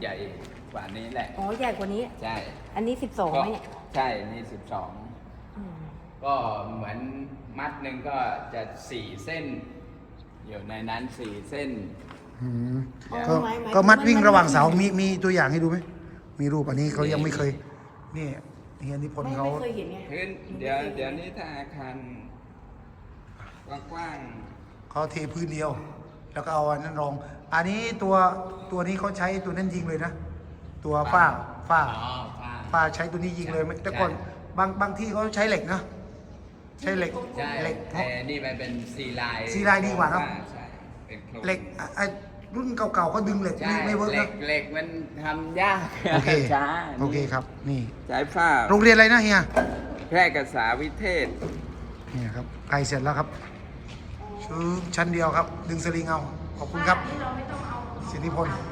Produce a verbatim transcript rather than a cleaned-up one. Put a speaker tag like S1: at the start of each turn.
S1: ใหญ่กว่านี้แหละ
S2: อ๋อใหญ่กว่านี้
S1: ใช่
S2: อันนี้สิบสองไหมเนี่ย
S1: ใช่นี่สิบสอง
S2: อืม
S1: ก็เหมือนมัดหนึ่งก็จะสี่เส้น อยู่ในนั้นสี่เส้น
S3: อืม
S2: อ๋อ
S3: ก็
S2: หมายหมาย
S3: ก็มัดวิ่งระหว่างเสา
S2: ไ
S3: มีมีตัวอย่างให้ดูไหมมีรูปอันนี้เขายังไม่เคย นี่เฮียนิพน
S2: ไม่
S3: ธ์เขา
S2: ไม่เคยเห็นไง
S1: พื้นเดี๋ยวเดี๋ยวนี้ถ้าอาคารกว้าง
S3: เขาเทพื้นเดียว แล้วก็เอาอันนั้นรอง อันนี้ตัวตัวนี้เขาใช้ตัวนั้นยิงเลยนะ ตัวฝ้าฝ้า
S1: ๆอ๋อฝ้า
S3: ฝ้าใช้ตัวนี้ยิงเลยไม่แต่ก่อนบางบางที่เขาใช้เหล็กนะ ใช้เหล็ก
S1: ใช่
S3: เหล็ก
S1: แต่นี่มันเป็นซีไลน์
S3: ซีไลน์ดีกว่าเนอะ
S1: ใช่เป็นโครง
S3: เหล็กอ่ะไอ้รุ่นเก่าๆเขาดึงเหล็ก
S1: ใช่
S3: ไม่ไม่เวิร์ก
S1: เหล็
S3: นะ
S1: กเหล็กมันทำยาก
S3: โอเค
S1: ช้า
S3: โอเคครับ นี่
S1: ใช้ฝ้า
S3: โรงเรียนอะไรนะเฮีย
S1: แพร่กษาวิเทศ
S3: นี่ครับไกลเสร็จแล้วครับชื่อชั้นเดียวครับ ดึงสลิงเอา ขอบคุณครับ
S2: นี่เราไม่ต้องเอา
S3: สิทธิพล